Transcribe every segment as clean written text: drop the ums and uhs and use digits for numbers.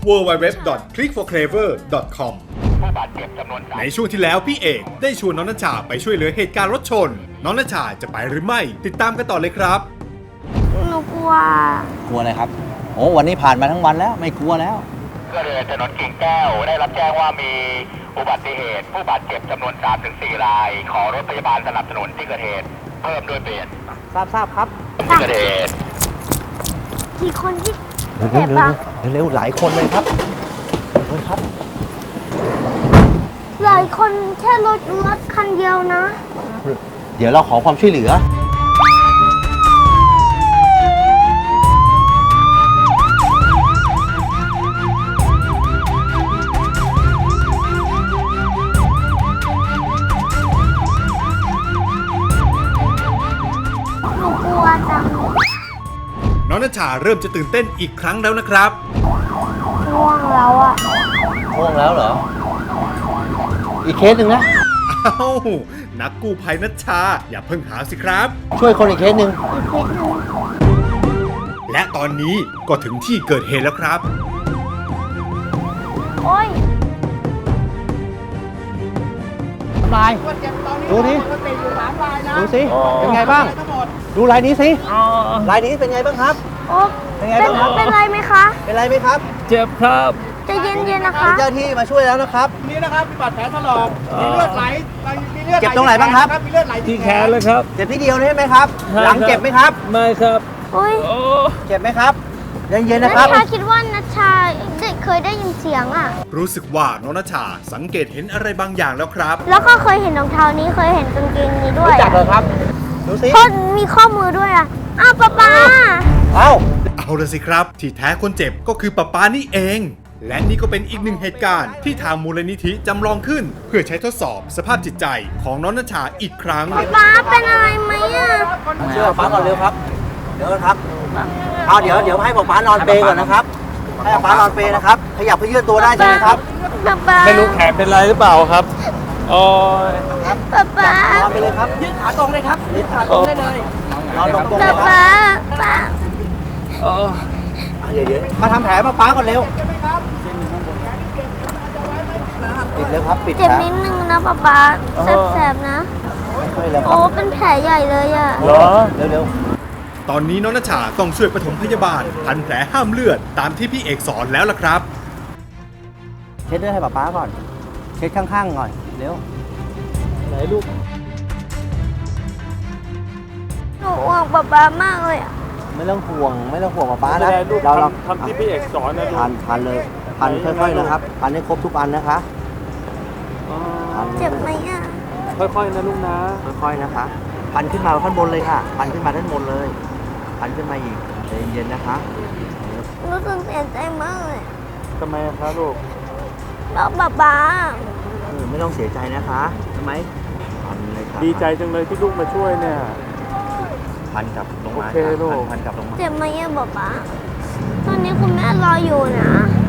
www.clickforclever.com ในช่วงที่แล้วพี่เอกได้ชวนน้องณชาไปช่วยเหลือเหตุการณ์รถชนน้องณชาจะไปหรือไม่ติดตามกันต่อเลยครับหนูกลัวอะไรครับโอ้วันนี้ผ่านมาทั้งวันแล้วไม่กลัวแล้วก็เลยถนนกิ่งแก้วได้รับแจ้งว่ามีอุบัติเหตุผู้บาดเจ็บจำนวน 3-4 รายขอรถพยาบาลสนับสนุนที่เกิดเหตุเพิ่มด้วยเปลี่ยนทราบครับที่เกิดเหตุกี่คนที่เจ็บปะเร็วหลายคนเลยครับครับหลายคนแค่รถคันเดียวนะเดี๋ยวเราขอความช่วยเหลือน้องณชาเริ่มจะตื่นเต้นอีกครั้งแล้วนะครับง่วงแล้วอ่ะง่วงแล้วเหรออีกเคสหนึ่งนะอ้าวนักกู้ภัยณชาอย่าเพิ่งหาสิครับช่วยคนอีกเคสหนึ่งและตอนนี้ก็ถึงที่เกิดเหตุแล้วครับโอ้ยลายดูดิดูสิเป็นไงบ้างดูลายนี้สิลายนี้เป็นไงบ้างครับเป็นไงบ้างครับเป็นไรไหมคะเป็นไรไหมครับเจ็บครับใจเย็นๆนะคะเจ้าที่มาช่วยแล้วนะครับนี่นะครับมีบาดแผลถลอกมีเลือดไหลมีเลือดเจ็บตรงไหนบ้างครับมีเลือดไหลที่แขนเลยครับเจ็บที่เดียวใช่ไหมครับหลังเจ็บไหมครับไม่ครับเจ็บไหมครับเย็นๆนะครับณชาคิดว่าณชาเคยได้ยินเสียงอ่ะรู้สึกว่าน้องณชาสังเกตเห็นอะไรบางอย่างแล้วครับแล้วก็เคยเห็นรองเท้านี้เคยเห็นกางเกงนี้ด้วยรู้จักเลยครับดูสิเพราะมีข้อมือด้วยอ่ะอ้าวป๊าเอาละสิครับที่แท้คนเจ็บก็คือป๊านี่เองและนี่ก็เป็นอีกหนึ่งเหตุการณ์ที่ทางมูลนิธิจำลองขึ้นเพื่อใช้ทดสอบสภาพจิตใจของน้องณชาอีกครั้งป๊าเป็นอะไรไหมอ่ะเชื่อป๊าก่อนเร็วครับเดี๋ยวครับเอาเดี๋ยวให้ป๊านอนเปก่อนนะครับให้ป๊านอนเปนะครับขยับเพื่อยืดตัวได้ใช่ไหมครับไม่รู้แขนเป็นไรหรือเปล่าครับโอ้ยป๊านอนไปเลยครับยืดขาตรงเลยครับยืดขาตรงได้เลยนอนตรงเลยป๊าเดี๋ยวมาทำแผลป๊าก่อนเร็วปิดเลยครับปิดเจ็บนิดนึงนะป๊าแสบๆนะโอ้เป็นแผลใหญ่เลยอ่ะเหรอเร็วตอนนี้น้องณชาต้องช่วยปฐมพยาบาลพันแผลห้ามเลือดตามที่พี่เอกสอนแล้วล่ะครับเช็ดเลือดให้ป๊าก่อนเช็ดข้างๆก่อนเร็วไหนลูกหนูห่วงป๊ามากเลยอ่ะไม่ต้องห่วงป๊านะเราทำที่พี่เอกสอนนะพันเลยพันค่อยๆนะครับพันให้ครบทุกอันนะคะเจ็บไหมอ่ะค่อยๆนะลูกนะค่อยๆนะคะพันขึ้นมาข้างบนเลยค่ะพันขึ้นมาด้านบนเลยพันขึ้นมาอีกใจเย็นๆนะคะรู้สึกเสียใจมากเลยทำไมคะลูกแล้วป๊าไม่ต้องเสียใจนะคะทำไมพันเลยค่ะดีใจจังเลยที่ลูกมาช่วยเนี่ยพันกลับลงมาพันกลับลงมาเจ็บไหมอ่ะป๊าตอนนี้คุณแม่รออยู่นะ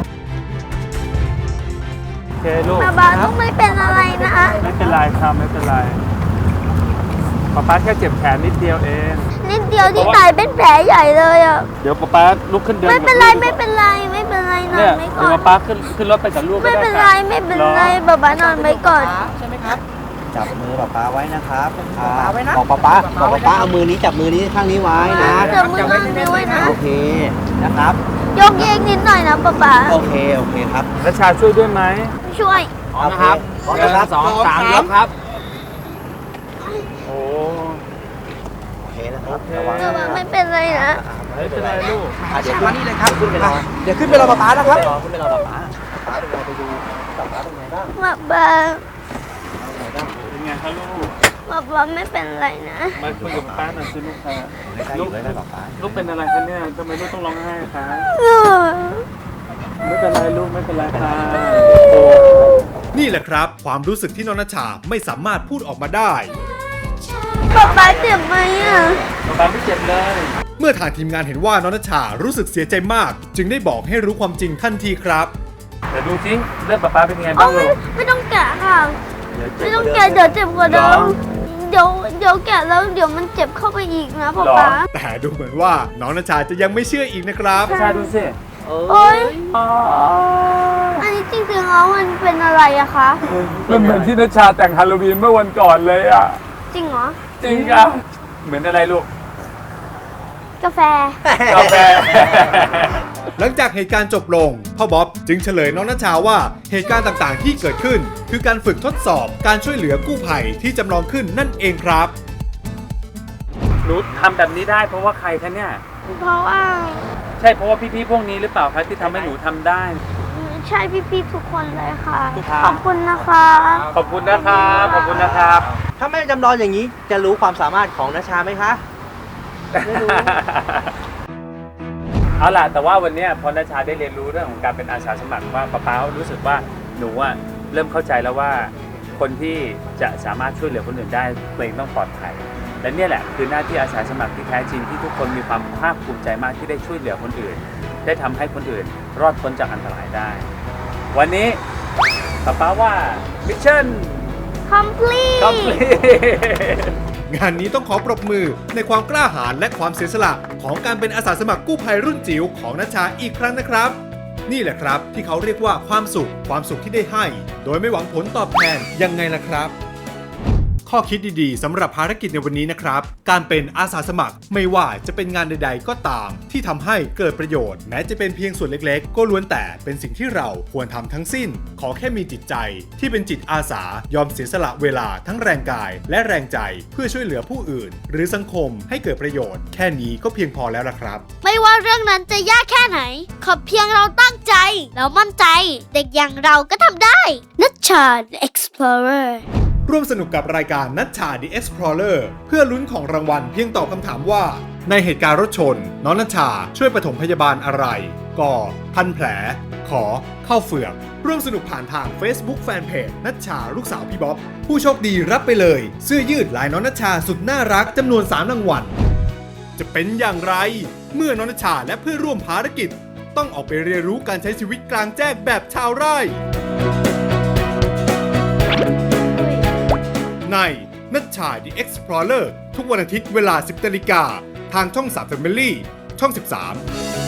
โอเคลูกป๊าต้องไม่เป็นอะไรนะไม่เป็นไรครับไม่เป็นไรป๊าแค่เจ็บแขนนิดเดียวเองนิดเดียวที่ตายเป็นแผลใหญ่เลยอ่ะเดี๋ยวป๊าลุกขึ้นเดินไม่เป็นไรนอนไม่ก่อนเดี๋ยวป๊าขึ้นรถไปกับลูกไม่เป็นไรป๊านอนไว้ก่อนใช่ไหมครับจับมือป๊าไว้นะครับบอกป๊าเอามือนี้จับมือนี้ข้างนี้ไว้นะจับมือข้างนี้ไว้นะโอเคนะครับยกเยกนิดหน่อยนะป๊าโอเคครับณชาช่วยด้วยไหมช่วยนะครับ2 3ยกครับโอเคนะครับไม่เป็นไรนะไม่เป็นไรลูกเดี๋ยวมานี่เลยครับเดี๋ยวขึ้นไปรอป๊านะครับขึ้นไปรอป๊าไปดูป๊าเป็นไงบ้างป๊าเป็นไงครับลูกป๊าไม่เป็นไรนะมาคุยกับป๊าหน่อยสิลูกค่ะลูกเป็นอะไรคะเนี่ยทำไมลูกต้องร้องไห้คะไม่เป็นไรลูกไม่เป็นไรค่ะนี่แหละครับความรู้สึกที่น้องณชาไม่สามารถพูดออกมาได้ป๊าเจ็บไหมอ่ะป๊าไม่เจ็บเลยเมื่อทางทีมงานเห็นว่าน้องณชารู้สึกเสียใจมากจึงได้บอกให้รู้ความจริงทันทีครับแต่ดูสิเลือดป๊าเป็นไงบ้างลูกไม่ต้องแกะค่ะไม่ต้องแกะเดี๋ยวเจ็บกว่าเดิมเดี๋ยวแกะแล้วเดี๋ยวมันเจ็บเข้าไปอีกนะป๊าแต่ดูเหมือนว่าน้องณชาจะยังไม่เชื่ออีกนะครับใช่ดูสิโอ๊ยอันนี้จริงๆแล้วมันเป็นอะไรอะคะมันเหมือนที่นัชชาแต่งฮาโลวีนเมื่อวันก่อนเลยอ่ะจริงเหรอจริงอ่ะ เหมือนอะไรลูกกาแฟกาแฟหลังจากเหตุการณ์จบลงพ่อบ๊อบจึงเฉลยน้องนัชชาว่าเหตุการณ์ต่างๆที่เกิดขึ้น คือการฝึกทดสอบการช่วยเหลือกู้ภัยที่จำลองขึ้นนั่นเองครับหนูทำแบบนี้ได้เพราะว่าใครคะเนี่ยเพราะว่าใช่เพราะว่าพี่ๆพวกนี้หรือเปล่าคะที่ทำให้หนูทำได้ใช่พี่ๆทุกคนเลยค่ะครับขอบคุณนะคะขอบคุณนะครับ ขอบคุณนะครับถ้าไม่จำลองอย่างนี้จะรู้ความสามารถของนัชชาไหมคะ ไม่รู้เอาล่ะแต่ว่าวันเนี้ยพอนัชชาได้เรียนรู้เรื่องของการเป็นอาสาสมัครว่าป๊ารู้สึกว่าหนูอะเริ่มเข้าใจแล้วว่าคนที่จะสามารถช่วยเหลือคนอื่นได้ตัวเองต้องปลอดภัยและเนี่ยแหละคือหน้าที่อาสาสมัครที่แท้จริงที่ทุกคนมีความภาคภูมิใจมากที่ได้ช่วยเหลือคนอื่น ได้ทำให้คนอื่นรอดพ้นจากอันตรายได้ วันนี้ป๊าว่ามิชชั่น complete คอมพลีทงานนี้ต้องขอปรบมือในความกล้าหาญและความเสียสละของการเป็นอาสาสมัครกู้ภัยรุ่นจิ๋วของนัชชาอีกครั้งนะครับ นี่แหละครับที่เขาเรียกว่าความสุขที่ได้ให้ โดยไม่หวังผลตอบแทนยังไงล่ะครับ ข้อคิดดีๆสำหรับภารกิจในวันนี้นะครับ การเป็นอาสาสมัครไม่ว่าจะเป็นงานใดๆก็ตาม ที่ทำให้เกิดประโยชน์แม้จะเป็นเพียงส่วนเล็กๆ ก็ล้วนแต่เป็นสิ่งที่เราควรทำทั้งสิ้น ขอแค่มีจิตใจที่เป็นจิตอาสายอมเสียสละเวลาทั้งแรงกายและแรงใจเพื่อช่วยเหลือผู้อื่น หรือสังคมให้เกิดประโยชน์แค่นี้ก็เพียงพอแล้วล่ะครับไม่ว่าเรื่องนั้นจะยากแค่ไหน ขอเพียงเราตั้งใจ แล้วมั่นใจ เด็กอย่างเราก็ทำได้ นัชชา The Explorer ร่วมสนุกกับรายการนัชชา The Explorer เพื่อลุ้นของรางวัลเพียงตอบคำถามว่า ในเหตุการณ์รถชน น้องนัชชาช่วยปฐมพยาบาลอะไรกพันแผล ขอเข้าเฟือก ร่วมสนุกผ่านทาง Facebook Fanpage นัชชาลูกสาวพี่บ๊อบ ผู้โชคดีรับไปเลย เสื้อยืดลายน้องนัชชาสุดน่ารักจำนวน3รางวัล จะเป็นอย่างไร เมื่อน้องนัชชาและเพื่อนร่วมภารกิจ ต้องออกไปเรียนรู้การใช้ชีวิตกลางแจ้งแบบชาวไร่ ในนัชชา The Explorer ทุกวันอาทิตย์เวลา 10 นาฬิกาทางช่อง 3 Family ช่อง 13